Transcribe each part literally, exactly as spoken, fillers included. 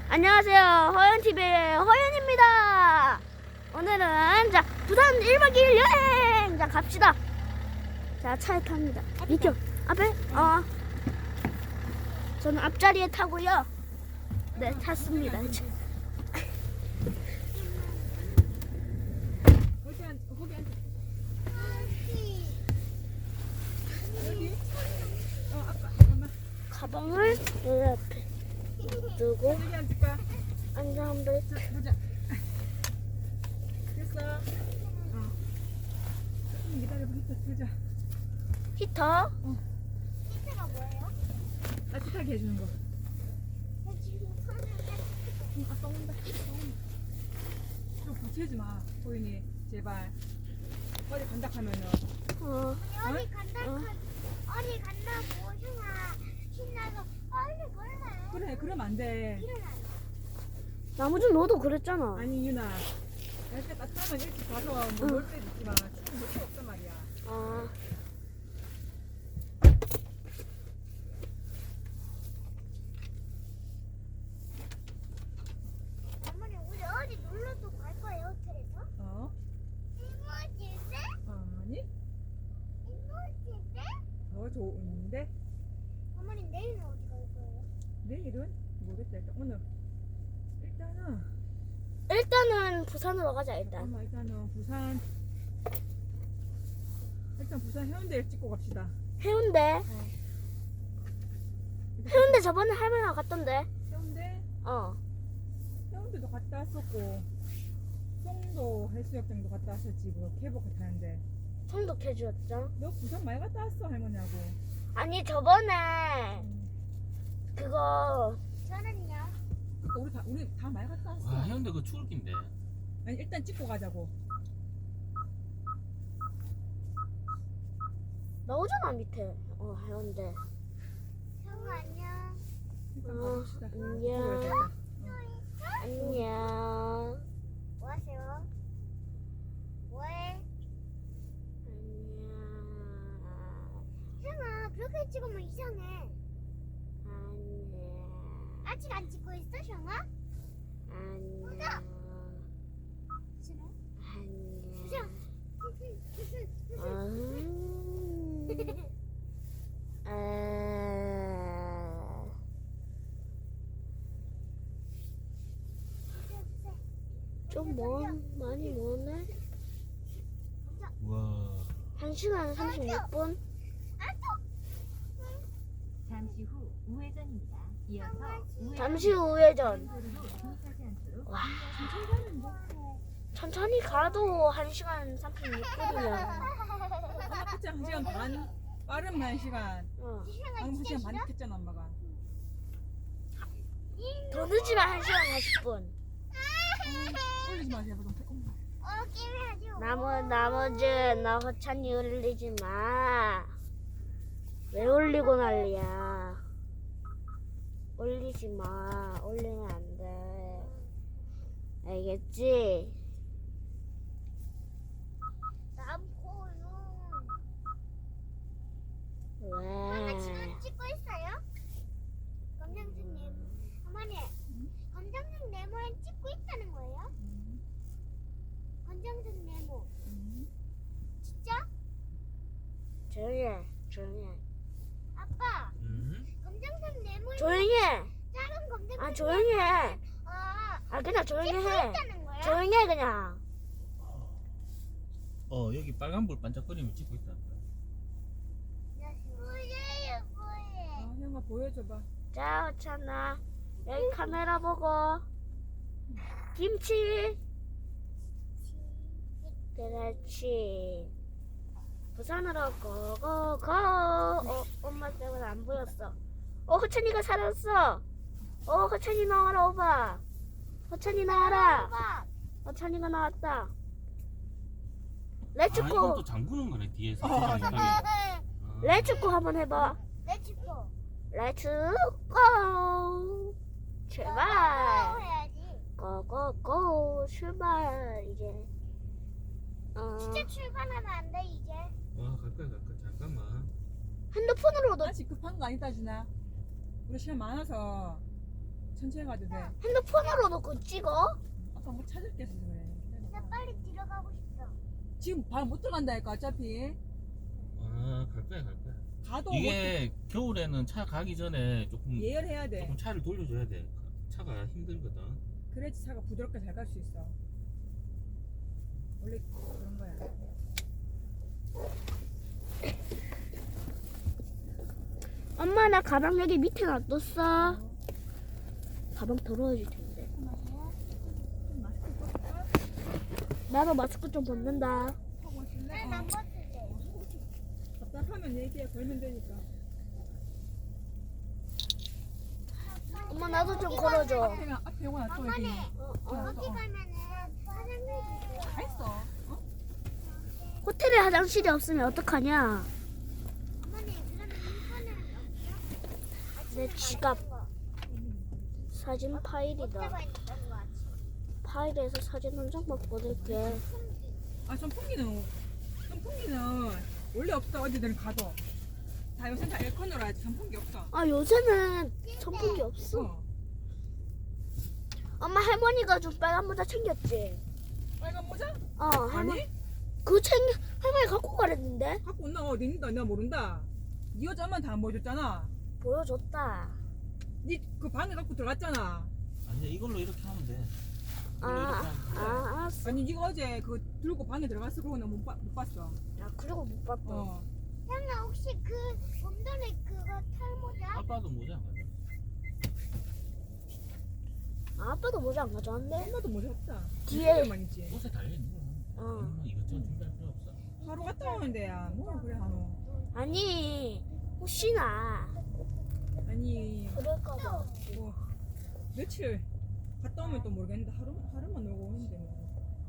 안녕하세요. 허연티비의 허연입니다. 오늘은 자 부산 일 박 이 일 여행 자 갑시다. 자 차에 탑니다. 이쪽 앞에 어 저는 앞자리에 타고요. 네 탔습니다. 거기 앉, 거기 앉. 여기? 어, 아빠, 엄마. 가방을 여기 앞에 두고 여기 앉을 거야. 앉아 한번 자, 보자. 됐어. 어. 조금 기다려봐. 히터 틀자. 히터. 힌트가 뭐예요? 따뜻하게 해주는 거. 나 지금 손을 응, 아빠 온다. 아빠 온다. 좀 붙이지 마. 소윤이, 제발. 어디 간다 하면은. 어 어디 간다 어. 어디 간다고 형아 신나서 빨리 걸래. 그래, 그러면 안 돼. 일어나. 나무준 너도 그랬잖아. 아니, 유나. 날씨가 따뜻하면 일찍 가서 뭐 놀 때도 있지만 지금 놀 데 없단 말이야. 아 어머니 우리 어디 놀러도 갈 거예요 호텔에서? 어? 이모집에? 아니? 이모집에? 더 좋은데? 어머니 내일은 어디 갈 거예요? 내일은? 모르겠다. 일단 오늘. 일단은. 일단은 부산으로 가자 일단. 엄마 일단은 부산 일단 부산 해운대를 찍고 갑시다. 해운대. 해운대 저번에 할머니랑 갔던데. 해운대 어. 해운대도 갔다 왔었고 송도 해수욕장도 갔다 왔었지. 그거 케이블카 타는데 성독해주었죠. 너 부산 많이 갔다 왔어 할머니하고. 아니 저번에 음. 그거 저는요. 그러니까 우리 다 우리 다 많이 갔다 왔어. 와 해운대 그 추울 긴데. 아니 일단 찍고 가자고. 나오잖아 밑에. 어 해운대. 형아 안녕. 일단 어, 가봅시다. 안녕. 그래, 안녕. 뭐 하세요? 뭐해? 안녕. 형아 그렇게 찍으면 이상해. 안녕. 아직 안 찍고 있어 형아? 안녕. 싫어? 안녕. 싫어. 음. 아. 좀 먼, 많이 머네? 와. 한 시간 삼십육 분? 잠시 후 우회전입니다. 이어서 우회전 잠시 후 우회전. 도로로 진입하지 않도록 와, 어, 천천히 가도 한 시간 삼십육 분이면. 엄마 그치 한 시간 반 빠르면 한 시간. 어. 방금 한 시간 반 했잖아 엄마가. 더 늦으면 한 시간 사십 분. 올리지 마 제발 좀. 엄마. 어 게임 하지. 나머, 나머지, 나 허찬이 올리지 마. 왜 올리고 난리야. 올리지 마. 올리면 안 돼. 알겠지? 남포요. 왜? 엄마 지금 찍고 있어요? 검정색 네모. 어머니, 검정색 네모에 찍고 있다는 거예요? 검정색 네모. 음. 진짜? 조용히 해. 조용히 해. 아빠, 음? 검정색 네모에 조용히 해. 작은 검정색 아, 조용히 해. 아, 아, 그냥 조용히 찍고 해. 있다는 거야? 조용히 해, 그냥. 어 여기 빨간불 반짝거리면 찍고 있다. 뭐예요, 뭐예요? 아 형아 보여줘봐. 자, 허찬아. 여기 카메라 보고. 김치. 그렇지. 부산으로 고고고. 어, 엄마 때문에 안 보였어. 어, 허찬이가 살았어. 어, 허찬이 나와라, 오빠. 허찬이 나와라. 아빠, 허찬이가 나왔다. 아 렛츠고. 이건 또 잠그는 거네 뒤에서. 어, 세상에 가게. 아. 렛츠고 한번 해봐. 렛츠고. 렛츠고. 출발. 해야지. 고고고. 출발. 이제. 어, 진짜 출발하면 안 돼 이제. 와 가까이 가까이 잠깐만. 핸드폰으로도 아직 급한 거 아니다 준아. 우리 시간 많아서 천천히 가도 돼. 핸드폰으로도 그거 찍어? 아까 뭐 찾을 게 있어서 그래. 나 기다려봐. 빨리 들어가고 싶어. 지금 바로 못 들어간다니까 어차피. 아, 갈 거야, 갈 거야. 가도 이게 겨울에는 차 가기 전에 조금 못 예열해야 돼. 조금 차를 돌려줘야 돼. 차가 힘들거든. 그래야지 차가 부드럽게 잘 갈 수 있어. 원래 그런 거야. 엄마 나 가방 여기 밑에 놔뒀어. 가방 더러워질 텐데. 좀 맛있게 볼까? 나도 마스크 좀 벗는다. 하고 있을래? 난 어. 안 벗을래. 답답하면 얘기해. 걸면 되니까. 엄마 나도 좀 걸어줘. 앞에 앞에 영화 놔둬 여기. 어머니, 어, 어. 거기 가면은 사장님이 다 있어. 어? 호텔에 화장실이 없으면 어떡하냐? 어머니 그러면 인터넷은 없어? 내 지갑. 사진 파일이다. 호텔가 있던 거 같이. 파일에서 사진 한 장만 보낼게. 아 선풍기는 선풍기는 원래 없어. 어디든 가도. 다 요새 다 에어컨으로 하지. 선풍기 없어. 아 요새는 선풍기 없어. 어. 엄마 할머니가 좀 빨간 모자 챙겼지? 빨간 모자? 어 할머니. 아니? 그거 챙겨 할머니 갖고 가랬는데 갖고 온나 어디 있는다. 내가 모른다. 네 여자만 다 안 보여줬잖아. 보여줬다. 네 그 방에 갖고 들어갔잖아. 아니야, 이걸로 이렇게 하면 돼. 이걸로 아, 이렇게 하면 돼. 아 알았어. 아니 네가 어제 그 들고 방에 들어갔어. 그러고 나 못 못 봤어. 야 그리고 못 봤다. 어. 형아 혹시 그 봄돌이 그거 탈모자? 아빠도 모자 안 가져. 아, 아빠도 모자 안 가져왔네. 엄마도 모자 없다. 뒤에- 만 있지. 옷에 달려있는 거. 어. 엄마 이것저것 준비할 필요 없어. 하루 갔다 오는데야. 뭐 그래 한우. 아니 혹시나 아니 그럴까봐. 뭐 며칠 갔다 오면 또 모르겠는데 하루 하루만 놀고 오는데 뭐.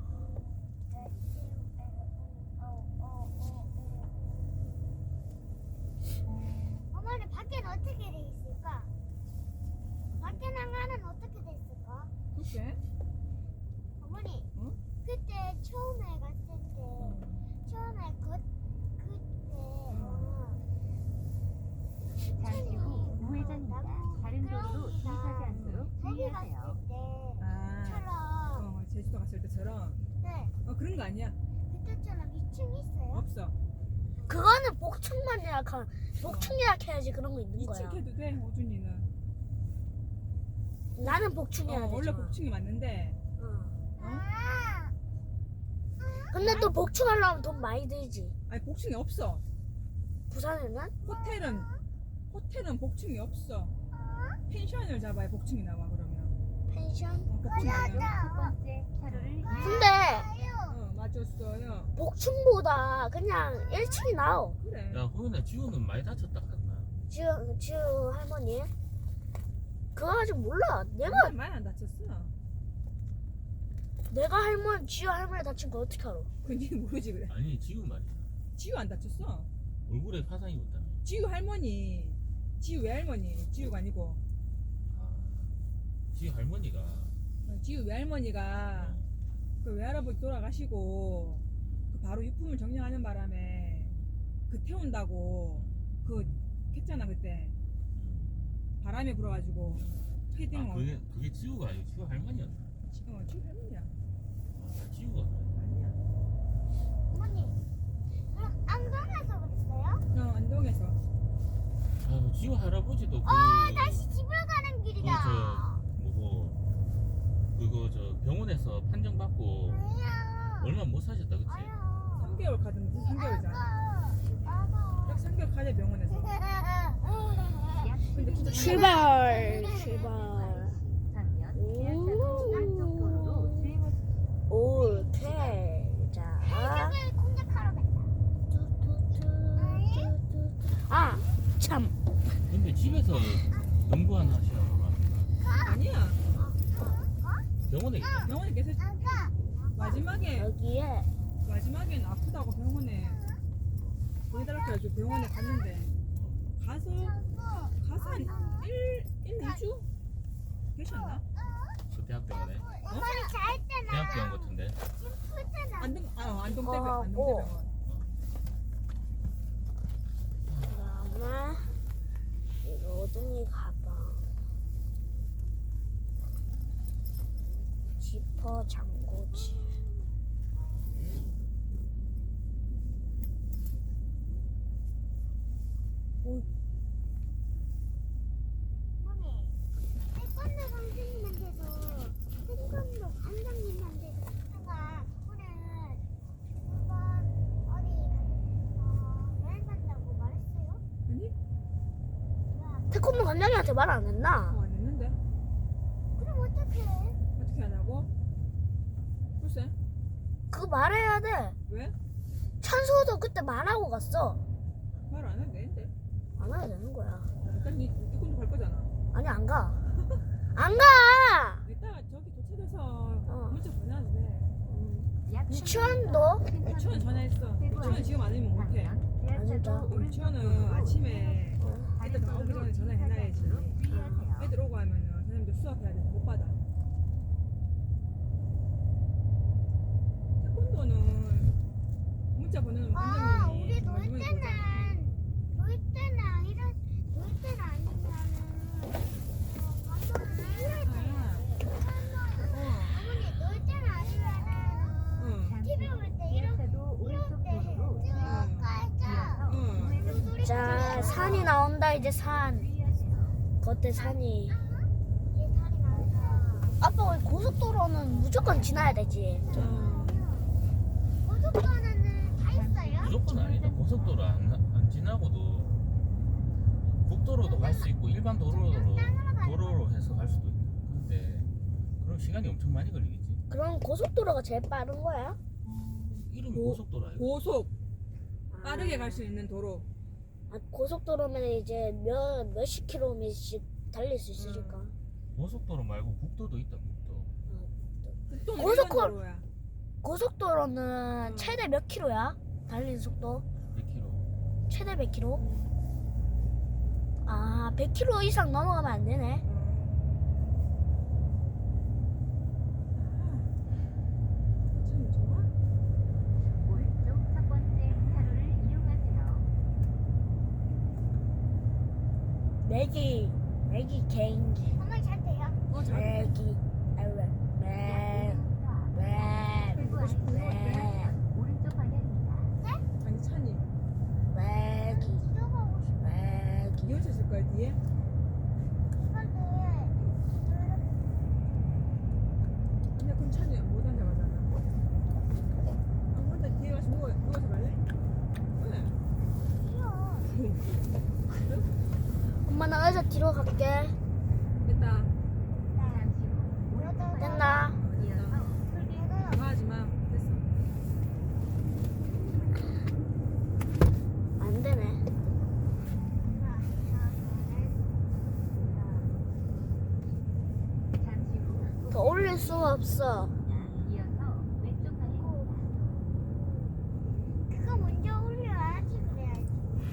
어머니 밖에는 어떻게 돼 있을까? 밖에 나가는 어떻게 돼 있을까? 글쎄. 어머니 응? 그때 처음에 갔을 때 처음에 그 그때 어, 잠시 후 우회전입니다. 다른 도로로 진입하지 않도록 거기 주의하세요. 갔을 아. 때처럼 어 제주도 갔을 때처럼. 네 어 그런 거 아니야. 그때처럼 이 층 있어요? 없어. 그거는 복층만 예약한 복층 예약해야지 그런 거 있는 거야. 이층 해도 돼 오준이는. 나는 복층 해야 어, 원래 되잖아. 복층이 맞는데. 어. 아, 근데 또 복층 하려면 돈 많이 들지. 아니 복층이 없어. 부산에는? 호텔은 호텔은 복층이 없어. 펜션을 잡아야 복층이 나와 그러면. 펜션? 어, 복층이 아니야. 첫 번째 차로를 근데 어 맞았어요. 복층보다 그냥 일 층이 나아. 그래. 야, 호연아, 지우는 많이 다쳤다 갔나? 지우 지우 할머니. 그거 아직 몰라. 내가 내가 많이 안 다쳤어. 내가 할머니 지우 할머니 다친 거 어떻게 알아? 그니 모르지 그래. 아니, 지우 말이야. 지우 안 다쳤어. 얼굴에 화상 입었다며. 지우 할머니. 지우 외할머니. 지우가 아니고. 아, 지우 할머니가. 어, 지우 외할머니가 어, 그 외할아버지 돌아가시고 그 바로 유품을 정리하는 바람에 그 태운다고 그 했잖아 그때. 음. 바람이 불어가지고 패딩 아, 어, 그게, 그게 지우가 아니고 지우 할머니였나? 지- 어, 지우 할머니야. 아, 지우가. 아니야. 어머니 그럼 안동에서 그랬어요? 어 안동에서. 아, 지우 할아버지도 그. 어 다시 집으로 가는 길이다. 그 저 뭐고 그거 저 병원에서 판정 받고 아니야. 얼마 못 사셨다 그치? 아니야. 삼 개월 가던 삼 개월이잖아. 아빠. 딱 삼 개월 가자 병원에서. 약 근데 진짜 출발 출발. 전면 오. 지하차도 안쪽 도로로 주행하십시오. 오케이. 자. 해적을 공략하러 간다. 아 참. 근데 집에서 연구 하나 하시라고 아니야. 병원에 있다. 병원에 계속 아까 마지막에 여기에 마지막엔 아프다고 병원에 보내달라고 해가지고 병원에 갔는데 가서 가서 한 일, 일, 이 주 계셨나? 그 대학병원에 어머니 잘 때나 대학병원 같은데. 지금 풀 때나 안동 아 안동대병 어, 안동대병원. 그다음에 이거 오등이 가방. 지퍼 잠그지. 어머니, 태권도 선생님한테도 태권도 관장님한테도 제가 오늘 한번 어디 어, 여행 간다고 말했어요? 아니? 태권도 관장님한테 말 안 했나? 어, 안 했는데. 그럼 어떡해? 어떻게 하냐고? 글쎄. 그거 말해야 돼. 왜? 찬수도 그때 말하고 갔어. 말 안 해도 되는데. 안 해도 되는 거야. 일단 니 태권도 갈 거잖아. 아니 안 가. 안 가. 이따가 저기 도착해서 어. 문자 보내도 돼. 유치원도 유치원 전화했어. 유치원 지금 안 하면 못해. 아, 진짜? 유치원은 아침에 어. 애들 나오기 전에 전화해놔야지. 애들 오고 하면은 선생님들 수업해야 돼서 못 받아. 태권도는 문자 보내는 아, 원장님이 우리 놀 마지막에 때는 보잖아. 놀 때는 이런 놀 때는 아니면은 어, 감독을 해야 돼. 아, 어머니 놀 때는 아니면은 응. 티비 볼 때 이렇게 오른쪽 도로로 쭉 가자. 응. 자 산이 나온다 이제 산. 겉에 산이. 이게 살이 나서 아빠 우리 고속도로는 무조건 지나야 되지. 어. 고속도로는 다 있어요? 무조건 아니다. 고속도로 안, 안 지나고도 국도로도 갈 수 있고 일반 도로로 도로로 해서 갈 수도 있다. 근데 그럼 시간이 엄청 많이 걸리겠지. 그럼 고속도로가 제일 빠른 거야? 이름이 고- 고속도로 아니야? 고속 빠르게 갈 수 있는 도로. 아, 고속도로면 이제 몇 몇십 킬로미터씩 달릴 수 있으니까. 고속도로 말고 국도도 있다. 국도. 국도는 고속 일반 콜- 도로야. 고속도로는 음. 최대 몇 킬로야? 달리는 속도? 몇 킬로? 최대 백 킬로? 아, 백 킬로 이상 넘어가면 안 되네. 참 좋아. 오른쪽 첫 번째 차로를 이용하세요. 매기, 매기 개인기, 어머니 잘 돼요? 어, 잘 돼. 매기, 아유, 매, 매, 매, 오른쪽 방향입니다. 아니 찬이 매기, 들어가고 싶어. 매기. 이혼차 있을 거야 뒤에. 근데 그럼 찬이 못 앉아가잖아. 아, 혼자 뒤에 가서 누워 누워서 갈래? 왜? 엄마 나 의자 뒤로 갈게. 됐다. 잠시 후 오른쪽 됐나? 방향 이어서 톨게이트 나가지 마. 됐어. 안 되네. 잠시 후 더 올릴 수가 없어. 이어서 왼쪽 방향입니다. 그거 먼저 올려야지 그래야지.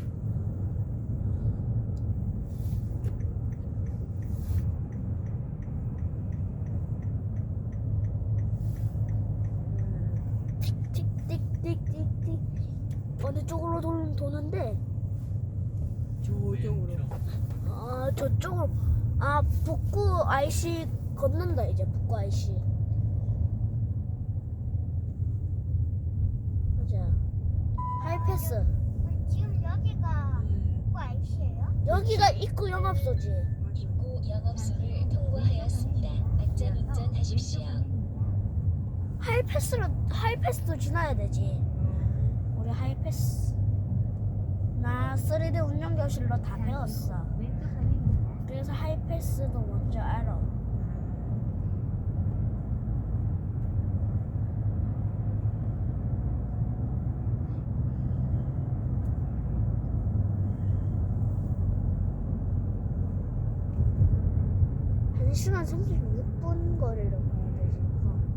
틱틱틱틱틱틱. 어느 쪽으로 도, 도는데? 저쪽으로. 아 저쪽으로. 아 북구 아이씨 걷는다 이제 북구 아이씨. 맞아. 하이패스. 우리 지금 여기가 음. 국고 아이씨예요? 여기가 입구 영업소지. 맞아. 입구 영업소를 통과하였습니다. 안전 운전하십시오. 하이패스로 하이패스도 지나야 되지. 우리 하이패스. 나 쓰리디 운영 교실로 다 배웠어. 왼쪽 방향입니다. 그래서 하이패스도 먼저 알아. 한 시간 삼십육 분 거리로 가야 되지. 어.